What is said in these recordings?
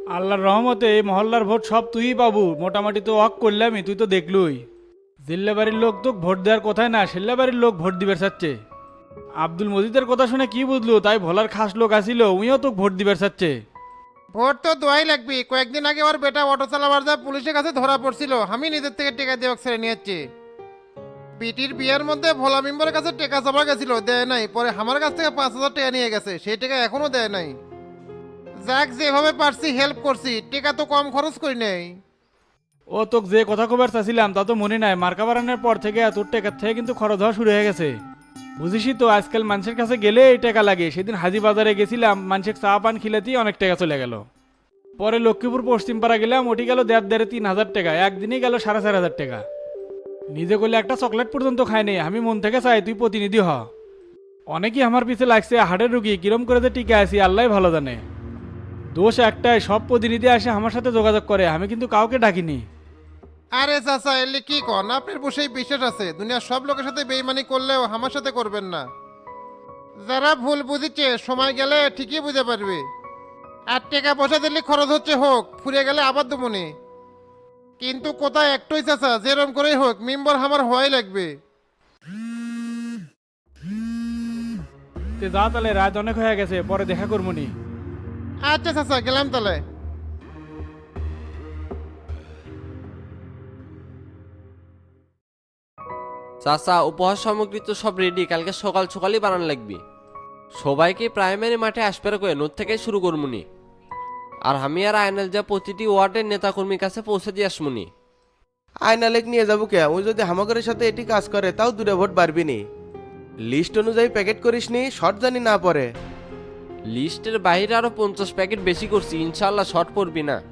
আল্লাহর রহমতে এই মহল্লার ভোট সব তুই পাবু, মোটামুটি তো ওয়াক করলামই, তুই তো দেখলুই। জিল্লা বাড়ির লোক তো ভোট দেওয়ার কথাই না, সেল্লা বাড়ির লোক ভোট দিবার চাচ্ছে। আব্দুল মজিদের কথা শুনে কি বুঝলু, তাই ভোলার খাস লোক আসিল, উইও তো ভোট দিবার চাচ্ছে। ভোট তো দোয়াই লাগবি। কয়েকদিন আগে ওর বেটা অটো চালাবার যা পুলিশের কাছে ধরা পড়ছিল, আমি নিজের থেকে টেকা দিয়ে ওকে ছেড়ে নিয়েছি। বিটির বিয়ের মধ্যে ভোলা মেম্বারের কাছে টেকা চাপা গেছিল, দেয় নাই। পরে আমার কাছ থেকে 5,000 টাকা নিয়ে গেছে, সেই টাকা এখনো দেয় নাই। যাক, যেভাবে পারছি হেল্প করছি, টেকা তো কম খরচ করি নাই। ও তোকে যে কথা কবার চাচ্ছিলাম তা তো মনে নাই, মার্কা বাড়ানোর পর থেকে তোর টাকার থেকে কিন্তু খরচ হওয়া শুরু হয়ে গেছে। বুঝিসই তো আজকাল মানুষের কাছে গেলে এই টাকা লাগে। সেদিন হাজি বাজারে গেছিলাম, মানুষের চা পান খিলাতেই অনেক টাকা চলে গেল। পরে লক্ষ্মীপুর পশ্চিম পাড়া গেলাম, ওটি গেল 3,500 টাকা, একদিনই গেল 4,500 টাকা। নিজে করলে একটা চকলেট পর্যন্ত খায়নি। আমি মন থেকে চাই তুই প্রতিনিধি হ। অনেকেই আমার পিছে লাগছে, হাড়ের রুগী কিরম করে যে টিকে আছি আল্লাহ ভালো জানে। দোষ একটাই, সব প্রতিনিধি আসে আমার সাথে যোগাযোগ করে, আমি কিন্তু কাউকে ডাকিনি। আরে চাচা, এলে কি কন? আপনার বসেই বিশ্বাস আছে, দুনিয়ার সব লোকের সাথে বেইমানি করলেও আমার সাথে করবেন না। যারা ভুল বুঝিচ্ছে সময় গেলে ঠিকই বুঝে পারবে। আর টাকা পয়সা দিলে খরচ হচ্ছে হোক, ফুরিয়ে গেলে আবার দেবনি। কিন্তু কোথায় একটাই চাচা, যেরম করেই হোক মেম্বার আমার হওয়াই লাগবে। তে যা তাহলে, রাত অনেক হয়ে গেছে, পরে দেখা করবনি। আচ্ছা চাচা, গেলাম তাহলে। চাচা, উপহার সামগ্রী তো সব রেডি, কালকে সকাল সকালই বানান লাগবে। সবাইকে প্রাইমারি মাঠে আসবে করে নোট থেকে শুরু করমুনি। আর আমি আর আয়নাল যা প্রতিটি ওয়ার্ডের নেতাকর্মীর কাছে পৌঁছে দিয়ে আসমুনি। আয়নালেক নিয়ে যাবো কে? ওই যদি হামাগরের সাথে এটি কাজ করে তাও দূরে ভোট পারবি নি। লিস্ট অনুযায়ী প্যাকেট করিস নি, শর্ট জানি না পরে। লিস্টের বাইরে আরো 50 প্যাকেট বেশি করছি, ইনশাল্লাহ শর্ট পড়বি না।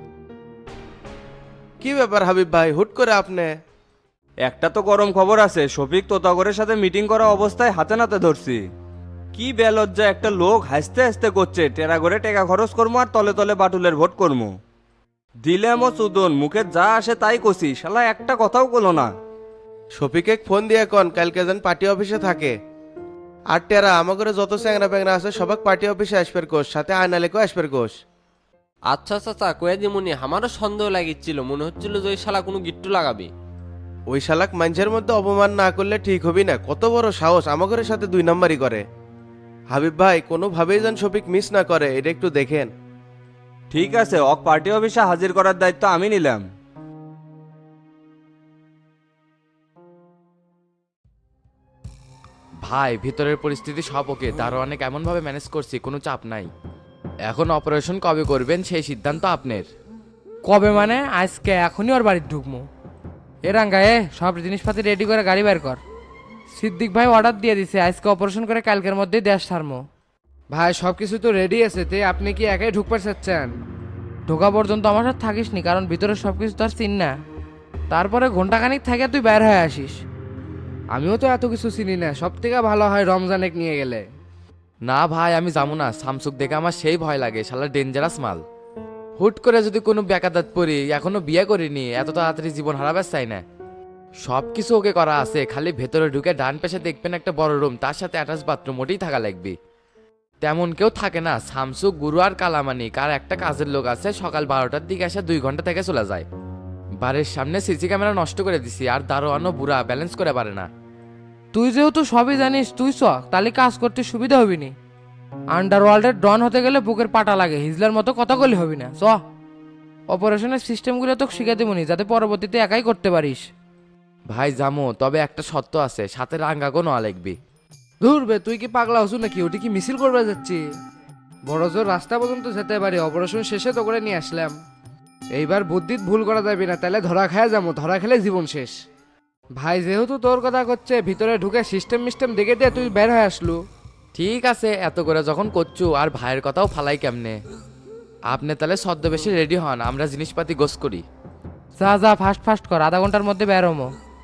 কি ব্যাপার হাবিব ভাই, হুট করে আপনি? একটা তো গরম খবর আছে, শফিক তোতাগরের সাথে মিটিং করা অবস্থায় হাতে নাতে ধরছি। কি বেলজ্জা একটা লোক হাসতে হাসতে করছে, টেরা করে টাকা খরচ করবো আর তলে তলে বাটুলের ভোট করবো। দিলেম ও চুদন, মুখে যা আসে তাই কষি, শালা একটা কথাও কলো না। শফিকে ফোন দিয়ে কন কালকে যেন পার্টি অফিসে থাকে। আর টেরা আমাগরে যত চ্যাংরা প্যাংরা আছে সবাক পার্টি অফিসে আসবের কোষ, সাথে আয়নালেকও আসবের কোষ। আচ্ছা চাচা, কয়ে দিমুনি। আমারও সন্দেহ লাগিচ্ছিল, মনে হচ্ছিল যে ওই শালা কোনো গিট্টু লাগাবি। ওই শালাক মানুষের মধ্যে অপমান না করলে ঠিক হবি না। কত বড় সাহস আমাগরের সাথে 2 নাম্বারই করে। হাবিব ভাই, কোনোভাবেই যেন শফিক মিস না করে, এটা একটু দেখেন। ঠিক আছে, অক পার্টি অফিসে হাজির করার দায়িত্ব আমি নিলাম। ভাই, ভিতরের পরিস্থিতি সব ওকে, দারোয়ানে কেমন ভাবে ম্যানেজ করছি, কোনো চাপ নাই। এখন অপারেশন কবে করবেন সেই সিদ্ধান্ত আপনার। কবে মানে? আজকে, এখনই ওর বাড়িতে ঢুকবো। রাঙ্গা, সব জিনিসপাতি রেডি করে গাড়ি বের কর। সিদ্দিক ভাই অর্ডার দিয়ে দিছে, আজকে অপারেশন করে কালকের মধ্যেই দেশ ছাড়মো। ভাই সব কিছু তো রেডি আছে, তে আপনি কি একাই ঢুকতে চাচ্ছেন? ঢোকা পর্যন্ত আমার সাথে থাকিস নি, কারণ ভিতরে সব কিছু তো আর চিন না। তারপরে ঘন্টাখানিক থেকে তুই বের হয়ে আসিস। আমিও তো এত কিছু চিনি না, সব থেকে ভালো হয় রমজানেক নিয়ে গেলে। না ভাই, আমি যাবো না। শামসুক দেখে আমার সেই ভয় লাগে, শালা ডেঞ্জারাস মাল। হুট করে যদি কোনো বেকাদাত পড়ি, এখনো বিয়ে করিনি, এত তাড়াতাড়ি জীবন হারাবার চাই না। সব কিছু ওকে করা আছে, খালি ভেতরে ঢুকে ডান পাশে দেখবেন একটা বড় রুম, তার সাথে অ্যাটাচ বাথরুম, ওটাই থাকা লাগবে। তেমন কেউ থাকে না, শামসুক, গুরু আর কালামানিক, আর একটা কাজের লোক আছে, সকাল 12টার দিকে এসে 2 ঘন্টা থেকে চলে যায়। বাড়ির সামনে সিসি ক্যামেরা নষ্ট করে দিছি, আর দারোয়ানও বুড়া, ব্যালেন্স করে পারে না। তুই যেহেতু সবই জানিস, তুই চ, তাহলে কাজ করতে সুবিধা হবি নি। আন্ডারওয়ার্ল্ডের ডন হতে গেলে বুকের পাটা লাগে, হিজলার মতো কথা বলে হবি না। চ, অপারেশনের সিস্টেমগুলো তোকে শিখে দেবনি, যাতে পরবর্তীতে একাই করতে পারিস। ভাই জামো, তবে একটা শর্ত আছে, সাথে রাঙ্গাগো নেওয়া লাগবে। ধুরবে, তুই কি পাগলা হসু নাকি? ওটি কি মিছিল করবে যাচ্ছি? বড় জোর রাস্তা পর্যন্ত যেতে পারি, অপারেশন শেষে তো করে নিয়ে আসলাম। এইবার বুদ্ধিত ভুল করা যাবে না, তাহলে ধরা খায় যাবো, ধরা খেলে জীবন শেষ। ভাই যেহেতু তোর কথা করছে, ভিতরে ঢুকে সিস্টেম মিস্টেম দেখে দিয়ে তুই বের হয়ে আসলু। ঠিক আছে, এত করে যখন করছু, আর ভাইয়ের কথাও ফালাই কেমনে। আপনি তাহলে ছদ্মবেশে রেডি হন, আমরা জিনিসপাতি গোছ করি। যা যা, ফাস্ট ফাস্ট কর, আধা ঘন্টার মধ্যে বের হমো।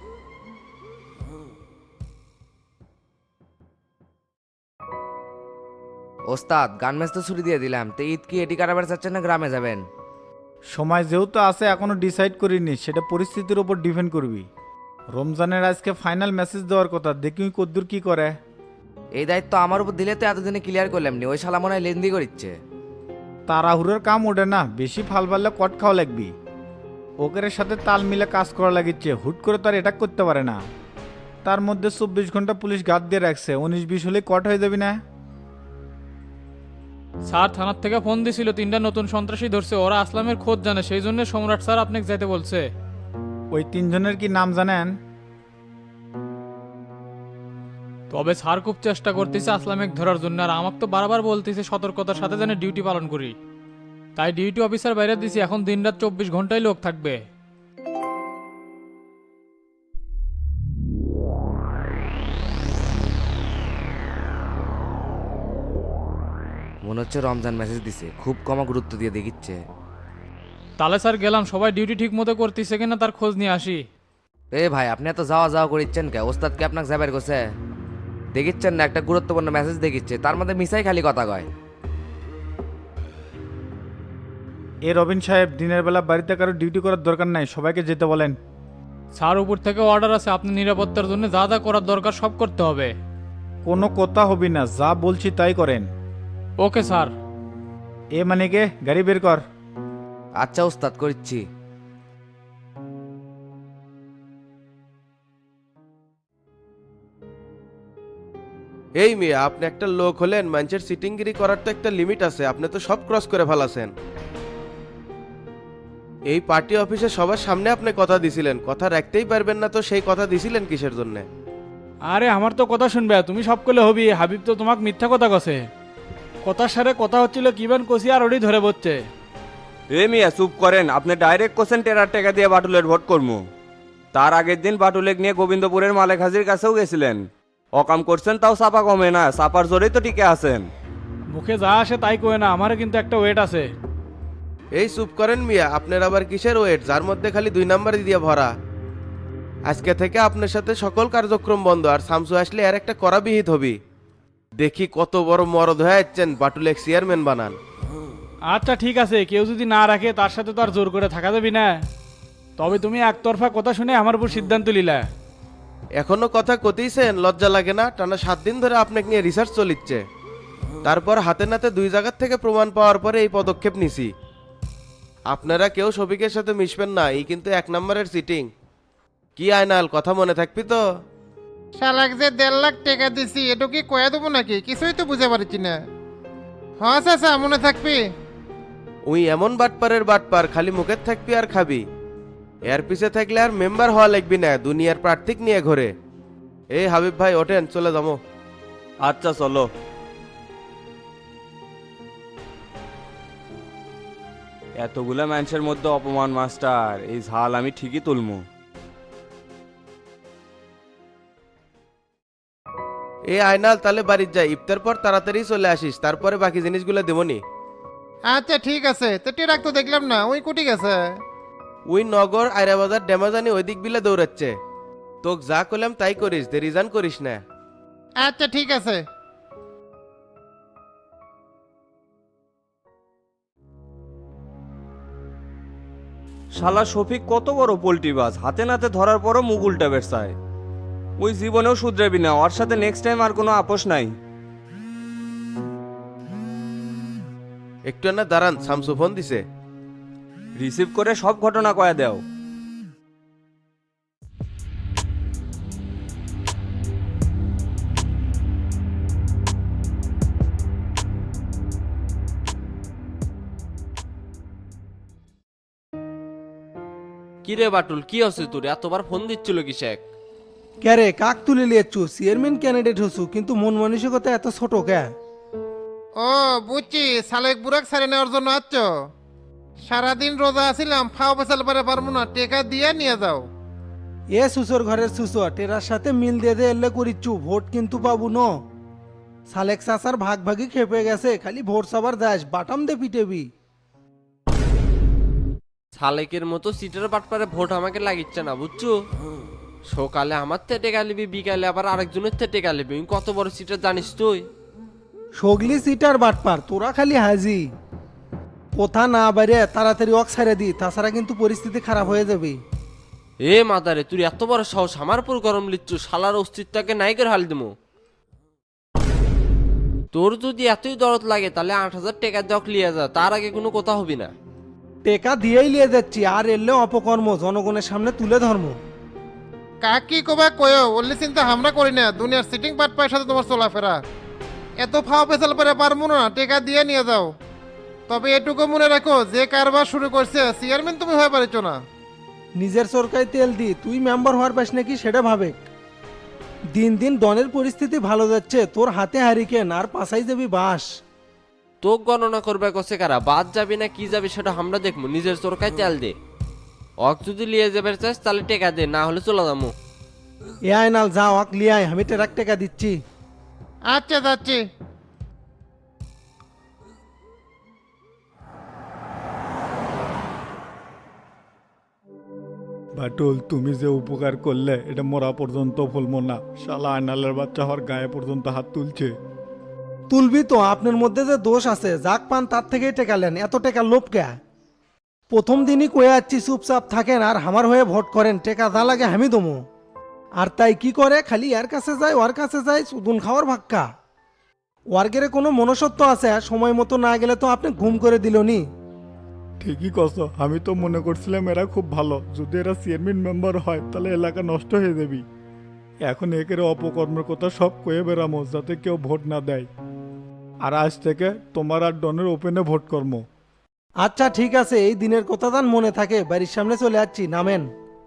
ওস্তাদ, গান ম্যাচ তো ছুটি দিয়ে দিলাম, তো ঈদ কি এটি কাটাবার চাচ্ছেন না গ্রামে যাবেন? সময় যেহেতু আছে এখনো ডিসাইড করিনি, সেটা পরিস্থিতির উপর ডিপেন্ড করবি। রমজানের আজকে ফাইনাল মেসেজ দেওয়ার কথা, দেখি কদ্দুর কি করে। এই দায়িত্ব আমার উপর দিলে তো এতদিনে ক্লিয়ার করলাম নি, ওই শালা মনে হয় লেন্দি করিচ্ছে। তাড়াহুড়োর কাম ওঠে না, বেশি ফাল পারলে কট খাওয়া লাগবি। ওকের সাথে তাল মিলে কাজ করা লাগিচ্ছে, হুট করে তো আর এটা করতে পারে না। তার মধ্যে 24 ঘন্টা পুলিশ গার্ড দিয়ে রাখছে, 19-20 হলে কট হয়ে যাবি না। স্যার থানার থেকে ফোন দিছিল, 3টা নতুন সন্ত্রাসী ধরছে, ওরা আসলামের খোঁজ জানে, সেই জন্য সম্রাট স্যার আপনাকে যেতে বলছে। ওই 3 জনের কি নাম জানেন? তবে স্যার খুব চেষ্টা করতেছে আসলামেক ধরার জন্য, আর আমাকে তো বারবার বলতেছে সতর্কতার সাথে যেন ডিউটি পালন করি। তাই ডিউটি অফিসার বাইরে দিছি, এখন দিনরাত 24 ঘন্টায় লোক থাকবে। মনে হচ্ছে রমজান মেসেজ দিছে, খুব কম গুরুত্ব দিয়ে দেখিচ্ছে। তাহলে স্যার গেলাম, সবাই ডিউটি ঠিক মতো করতেছে কিনা তার খোঁজ নিয়ে আসি। এ ভাই, আপনি এত যাওয়া যাওয়া করিচ্ছেন কে? ওস্তাদ কি আপনাকে যাবার করছে? দেখিচ্ছেন না একটা গুরুত্বপূর্ণ মেসেজ দেখিচ্ছে, তার মধ্যে মিসাই খালি কথা কয়। এ রবিন সাহেব, দিনের বেলা বাড়িতে কারো ডিউটি করার দরকার নাই, সবাইকে যেতে বলেন। স্যার উপর থেকে অর্ডার আছে, আপনি নিরাপত্তার জন্য যা যা করার দরকার সব করতে হবে। কোনো কথা হবি না, যা বলছি তাই করেন। Okay sir. এ মানে কে, গাড়ি বের কর। আচ্ছা ওস্তাদ, করছি। এই মিয়া, আপনি একটা লোক হলেন, মানুষের সিটিংগিরি করার তো একটা লিমিট আছে, আপনি তো সব ক্রস করে ফেলাছেন। এই পার্টি অফিসে সবার সামনে আপনি কথা দিছিলেন, কথা রাখতেই পারবেন না তো সেই কথা দিছিলেন কিসের জন্য? আরে আমার তো কথা শুনবে, তুমি সব করলে হবি, হাবিব তো তোমাকে মিথ্যা কথা কছে। কথার সারে কথা হচ্ছিল কিবান কষি আর ওরই ধরে বসছে। এ মিয়া চুপ করেন, আপনি ডাইরেক্ট কোশ্চেন টেরার টাকা দিয়ে বাটুলের ভোট করবো। তার আগের দিন বাটুলেক নিয়ে গোবিন্দপুরের মালেক হাজির কাছেও গেছিলেন, অকাম করছেন, তাও চাপা কমে না, চাপার জোরেই তো টিকে আছেন। মুখে যা আসে তাই কয়ে না, আমারও কিন্তু একটা ওয়েট আছে। এই চুপ করেন মিয়া, আপনার আবার কিসের ওয়েট, যার মধ্যে খালি 2 নাম্বার দিয়ে ভরা। আজকে থেকে আপনার সাথে সকল কার্যক্রম বন্ধ, আর শামসু আসলে আর একটা করা বিহিত হবি। দেখি কত বড় মরদ হয়ে যাচ্ছেন, বাটুলেক চেয়ারম্যান বানান। আচ্ছা ঠিক আছে, কেউ যদি না রাখে তার সাথে তো আর জোর করে থাকা যাবি না। তবে তুমি একতরফা কথা শুনে আমার উপর সিদ্ধান্ত নিলা। এখনো কথা কতিছেন, লজ্জা লাগে না? টানা 7 দিন ধরে আপনাকে নিয়ে রিসার্চ চলিচ্ছে, তারপর হাতে নাতে 2 জায়গার থেকে প্রমাণ পাওয়ার পরে এই পদক্ষেপ নিছি। আপনারা কেউ শফিকের সাথে মিশবেন না, এই কিন্তু 1 নম্বরের সিটিং। কি আয়নাল, কথা মনে থাকবি তো? শালাক যে 1.5 লাখ টাকা দিছি, এটা কি কয়ে দেবো নাকি? কিছুই তো বুঝে পারছি না। হ্যাঁ চাচা, মনে থাকবি। উই এমন বাটপারের বাটপার, খালি মুখের থাকবি আর খাবি। এর পিছে থাকলে আর মেম্বার হওয়া লাগবি না, দুনিয়ার প্রার্থিক নিয়ে ঘরে। এই হাবিব ভাই ওঠেন, চলে যাবো। আচ্ছা চলো। এতগুলা মানুষের মধ্যে অপমান মাস্টার, এই ঝাল আমি ঠিকই তুলমু। এই আয়নাল, তাহলে বাড়ির যাই, ইফতার পর তাড়াতাড়ি চলে আসিস, তারপরে বাকি জিনিসগুলো দেবনি। আচ্ছা ঠিক আছে, তো টেরাক তো দেখলাম না, ওই কুটি গেছে। ওই নগর আয়রাবাজার ড্যামাজানি ওই দিক বিলে দৌড়াচ্ছে। তোক যা করলাম তাই করিস, দেরিজান করিস না। আচ্ছা ঠিক আছে। শালা শফিক কত বড় পোল্ট্রিবাজ, হাতে নাতে ধরার পরও মুখ উল্টা বেরসায়। ওই জীবনেও শুধরাবি না, ওর সাথে নেক্সট টাইম আর কোনো আপোষ নাই। একটু না দাঁড়ান, শামসু ফোন দিছে। রিসিভ করে সব ঘটনা কয়া দেও। কি রে বাটুল, কি হচ্ছে তোর? এতবার ফোন দিচ্ছিল কিসেক? ক্যারে কাক তুলে লিয়েছু, চেয়ারম্যান ক্যান্ডিডেট হছু, কিন্তু মন মানসিকতা এত ছোট কে? ও বুঝছি, সালেক বুড়াক সারে নেওয়ার জন্য আসছ। সারাদিন রোজা আছিলাম, ফাও পেছাল পারে পারবো না, টেকা দিয়ে নিয়ে যাও। এ সুসর ঘরের সুসর টেরার সাথে মিল দিয়ে দে এলে করিচ্ছু, ভোট কিন্তু পাবো ন। সালেক চাচার ভাগ ভাগই খেপে গেছে, খালি ভোট সবার দাস, বাটাম দে পিটেবি। সালেকের মতো সিটের পাটপারে ভোট আমাকে লাগিচ্ছে না, বুঝছো? সকালে আমার থেকে টেকা লিবি, বিকালে আবার আরেকজনের থেকে টেকা লিবি। কত বড় সিটার জানিস তুই? সগলি সিটার বাটপার, তোরা খালি হাজি। কোথা না বাইরে তাড়াতাড়ি অক ছাড়ে দি, তাছাড়া কিন্তু পরিস্থিতি খারাপ হয়ে যাবে। এ মাদারে, তুই এত বড় সাহস আমার উপর গরম লিচ্ছু? শালার অস্তিত্বকে নাই করে হাল দিমু। তোর যদি এতই দরদ লাগে তাহলে 8,000 টাকা দেওয়া লিয়ে যা, তার আগে কোনো কথা হবি না। টেকা দিয়েই লিয়ে যাচ্ছি, আর এলে অপকর্ম জনগণের সামনে তুলে ধর্ম। কাকি কবা কয়ো ওল্লি চিন্তা আমরা করি না, দুনিয়ার সিটিং পাট পায়ের সাথে তোমার চলাফেরা এত ফাও পেছাল পেরে পারবো না, টেকা দিয়ে নিয়ে যাও। তবে এটুকু মনে রাখো, যে কারবার শুরু করছে চেয়ারম্যান তুমি হয়ে পারিছ না। নিজের সরকারি তেল দি তুই মেম্বার হওয়ার পাস নাকি সেটা ভাবে। দিন দিন ডনের পরিস্থিতি ভালো যাচ্ছে, তোর হাতে হারিকেন আর পাশাই যাবি বাস। তোক গণনা করবে কসে কারা, বাদ যাবি না কি যাবি সেটা আমরা দেখবো। নিজের চোরকায় তেল দে, অক যদি লিয়ে যাবে চাস তাহলে টেকা দে, না হলে চলে যাবো। এ আয়নাল যাও আক লিয়াই, আমি টেরাক টেকা দিচ্ছি। আচ্ছা যাচ্ছি। বাটুল তুমি যে উপকার করলে এটা মরা পর্যন্ত ভুলবো না। শালা আয়নালের বাচ্চা হওয়ার গায়ে পর্যন্ত হাত তুলছে। তুলবি তো, আপনার মধ্যে যে দোষ আছে, যাক পান তার থেকেই টেকালেন, এত টেকা লোভ কে? প্রথম দিনই কয়ে যাচ্ছি চুপচাপ থাকেন আর আমার হয়ে ভোট করেন, টেকা যা লাগে আমি দমো। আর তাই কি করে, খালি এর কাছে যায় ওর কাছে যায়, সুদুন খাওয়ার ভাক্কা। ওয়ার্গেরে কোনো মনসত্ব আছে, সময় মতো না গেলে তো আপনি ঘুম করে দিলনি। ঠিকই কস, আমি তো মনে করছিলাম এরা খুব ভালো, যদি এরা চেয়ারম্যান মেম্বার হয় তাহলে এলাকা নষ্ট হয়ে যাবি। এখন একের অপকর্মের কথা সব কয়ে বেড়ামো যাতে কেউ ভোট না দেয়। আর আজ থেকে তোমার আর ডনের ওপেনে ভোট কর্ম। আচ্ছা ঠিক আছে, এই দিনের কথা যান মনে থাকে, বাড়ির সামনে চলে যাচ্ছি, নামেন।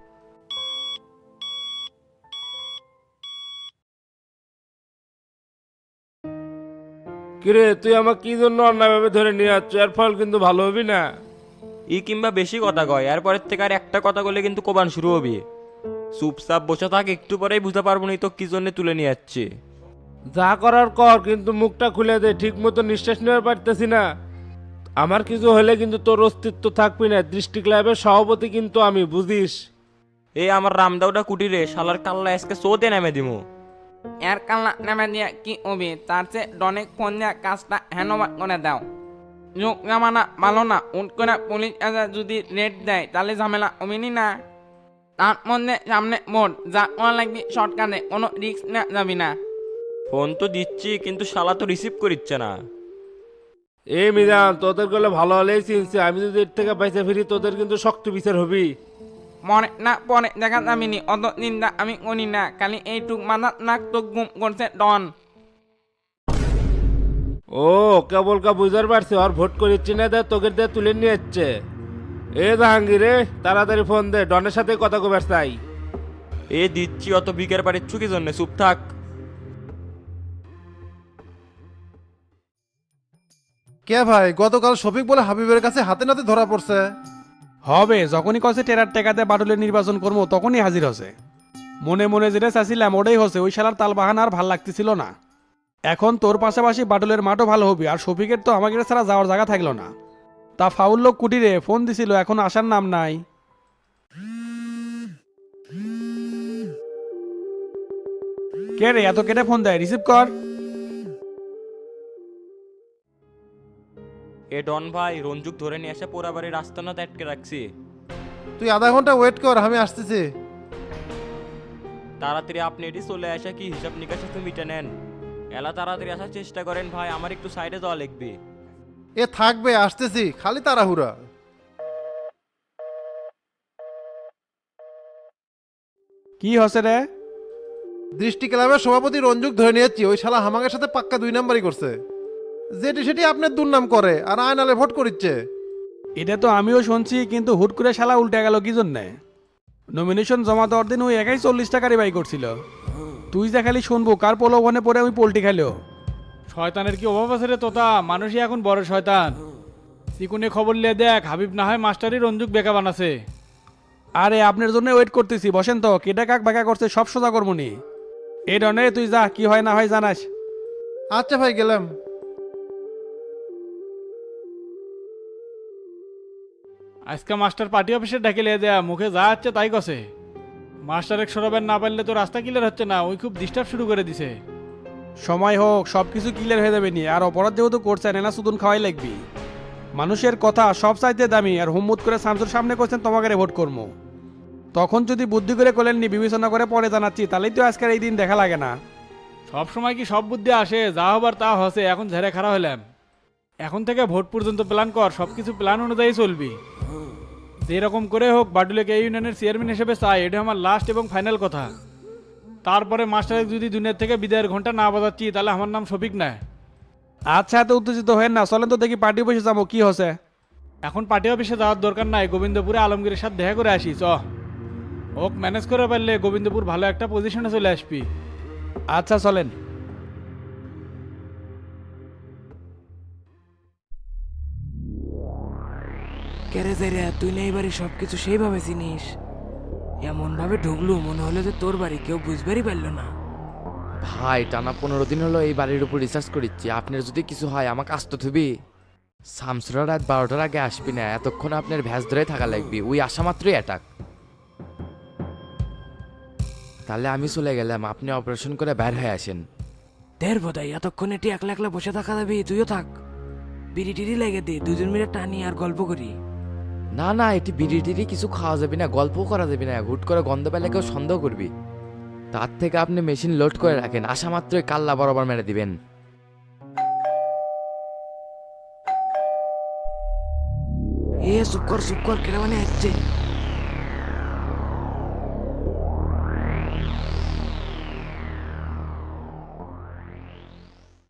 কিরে তুই আমাকে কি জন্য অন্যায়ভাবে ধরে নিয়ে যাচ্ছ? এর ফল কিন্তু ভালো হবি না। ই কিংবা বেশি কথা কয়, এরপরের থেকে আর একটা কথা বলে কিন্তু কোবান শুরু হবি। চুপচাপ বসে থাক, একটু পরেই বুঝতে পারবো না তো কি জন্য তুলে নিয়ে যাচ্ছে। যা করার কর, কিন্তু মুখটা খুলে দে, ঠিক মতো নিঃশ্বাস নেওয়ার পারতেছি না। আমার কিছু হলে কিন্তু তোর অস্তিত্ব থাকবি না। দৃষ্টি ক্লাবের সভাপতি কিন্তু আমি, বুঝিস? এই আমার রামদাউটা কুটিরে শালার কাল্লা আজকে চোদে নামে দিমু। এর কাল্লা নামে দিয়ে কি হবি? তার চেয়ে ডনেক ফোন দিয়ে কাজটা হ্যান্ডওভার করে দাও। যোগ জামানা ভালো না, উঠ করে পুলিশ এসে যদি রেড দেয় তাহলে ঝামেলা হবিনি না। তার মধ্যে সামনে ভোট, যা করা লাগবে শর্টকাটে, কোনো রিস্ক নেওয়া যাবি না। ফোন তো দিচ্ছি কিন্তু শালা তো রিসিভ করিচ্ছে না। এই মিজান, তোদের গেলে ভালো হলেই চিনছি, আমি যদি এর থেকে বেঁচে ফিরি তোদের কিন্তু শক্ত বিচার হবি। মনে না পরে দেখা যাবিনি, অত চিন্তা আমি করি না। খালি এইটুক মাথা নাক তো গুম করছে ডন। ও কেবল কা বুঝার পারছি, আর ভোট করিচ্ছি না, দে তোকে দিয়ে তুলে নিয়ে যাচ্ছে। এ জাহাঙ্গীর রে, তাড়াতাড়ি ফোন দে, ডনের সাথে কথা কবার চাই। এ দিচ্ছি, অত বিকের পারিচ্ছু কি জন্য, চুপ থাক। কে ভাই, গতকাল শফিক বলে হাবিবের কাছে হাতে নাতে ধরা পড়ছে। হবে, যখনই কছে টেরার টেকাতে বাটুলের নির্বাচন করবো তখনই হাজির হসে। মনে মনে যেটা চাচ্ছিলাম ওটাই হসে, ওই শালার তাল বাহানা আর ভাল লাগতেছিল না। এখন তোর পাশাপাশি বাটুলের মাঠও ভালো হবে, আর শফিকের তো আমাকে ছাড়া যাওয়ার জায়গা থাকলো না। তা ফাউল লোক কুটিরে ফোন দিছিল, এখন আসার নাম নাই। কে রে এত কেটে ফোন দেয়, রিসিভ কর। এ ডন ভাই, রঞ্জুক ধরে নিয়ে এসে পোড়াবাড়ির রাস্তা না আটকে রাখছি। তুই আধা ঘন্টা ওয়েট কর, আমি আসতেছি। তাড়াতাড়ি আপনি এটি চলে আসা কি হিসাব নিকাশ একটু মিটে নেন। এলা তাড়াতাড়ি আসার চেষ্টা করেন ভাই, আমার একটু সাইডে যাওয়া লাগবে। এ থাকবে, আসতেছি, খালি তাড়াহুড়া। কি হসে রে? দৃষ্টি ক্লাবের সভাপতি রঞ্জুক ধরে নিয়েছি, ওই শালা হামাকের সাথে পাক্কা 2 নাম্বারই করছে। যেটি সেটি আপনার দুর্নাম করে আর আয়নালে ভোট করিচ্ছে। এটা তো আমিও শুনছি, কিন্তু হুট করে শালা উল্টে গেল কি জন্যে? নমিনেশন জমা দেওয়ার দিন ওই একাই 40 টাকা রিবাই করছিল। তুই যা খালি শুনবো কার প্রলোভনে পড়ে আমি পোল্টি খেলো। শয়তানের কি অভাব আছে রে তোতা, মানুষই এখন বড় শয়তান। চিকুনে খবর নিয়ে দেখ, হাবিব না হয় মাস্টারই রঞ্জুক বেকা বানাছে। আরে আপনার জন্য ওয়েট করতেছি, বসেন তো। কেটা কাক বাঁকা করছে সব সোজা করবনি। এই ডনে তুই যা, কি হয় না হয় জানাস। আচ্ছা ভাই, গেলাম। আজকে মাস্টার পার্টি অফিসে ডেকে লিয়ে দেয়া, মুখে যা হচ্ছে তাই কছে। মাস্টার এক সরাবেন না পারলে তো রাস্তা ক্লিয়ার হচ্ছে না, ওই খুব ডিস্টার্ব শুরু করে দিছে। সময় হোক, সব কিছু ক্লিয়ার হয়ে যাবে নি। আর অপরাধ যেহেতু করছেন, এনা সুদুন খাওয়াই লাগবি। মানুষের কথা সব চাইতে দামি, আর হুম্মুত করে শামসুর সামনে করছেন তোমাকে ভোট করবো। তখন যদি বুদ্ধি করে করলেননি, বিবেচনা করে পরে জানাচ্ছি, তাহলেই তো আজকের এই দিন দেখা লাগে না। সব সময় কি সব বুদ্ধি আসে, যা হবার তা হসে, এখন ঝেড়ে খারাপ হলাম। এখন থেকে ভোট পর্যন্ত প্ল্যান কর, সব কিছু প্ল্যান অনুযায়ী চলবি। যেরকম করে হোক বাটুলেকে এই ইউনিয়নের চেয়ারম্যান হিসেবে চাই, এটা আমার লাস্ট এবং ফাইনাল কথা। তারপরে মাস্টারের যদি দুনিয়ার থেকে বিদায়ের ঘন্টা না বাজাচ্ছি তাহলে আমার নাম শফিক না। আচ্ছা, এত উত্তেজিত হয়েন না, চলেন তো দেখি পার্টি বসে যাবো কি হচ্ছে। এখন পার্টি অফিসে যাওয়ার দরকার নাই, গোবিন্দপুরে আলমগীরের সাথে দেখা করে আসি। ওক ম্যানেজ করে পারলে গোবিন্দপুর ভালো একটা পজিশনে চলে আসবি। আচ্ছা চলেন। কেরে যাইরা তুই না এবারে সবকিছু সেইভাবে চিনিস, এমন ভাবে ঢুকলু মনে হলো যে তোর বাড়ি কেউ বুঝবারই পারলো না। ভাই টানা 15 দিন হলো এই বাড়ির উপর রিসার্চ করিচ্ছি, আপনার যদি কিছু হয় আমাকে আসতে থুবি। শামসুরা রাত 12টার আগে আসবি না, এতক্ষণ আপনার ভ্যাস ধরে থাকা লাগবে, ওই আসা মাত্রই অ্যাটাক। তাহলে আমি চলে গেলাম, আপনি অপারেশন করে বের হয়ে আসেন। দের বোধাই এতক্ষণ এটি একলা একলা বসে থাকা যাবি, তুইও থাক। বিড়ি টিড়ি লেগে দে, দুজন মিলে টানি আর গল্প করি। না না, এটি বিড়ি টিড়ি কিছু খাওয়া যাবে না, গল্পও করা যাবে না, হুট করে গন্ধ পেলে কেউ সন্দেহ করবি। তার থেকে আপনি মেশিন লোড করে রাখেন, আসা মাত্রই কাল্লা বরাবর মেরে দিবেন। চুপ কর কেটে মানে হচ্ছে।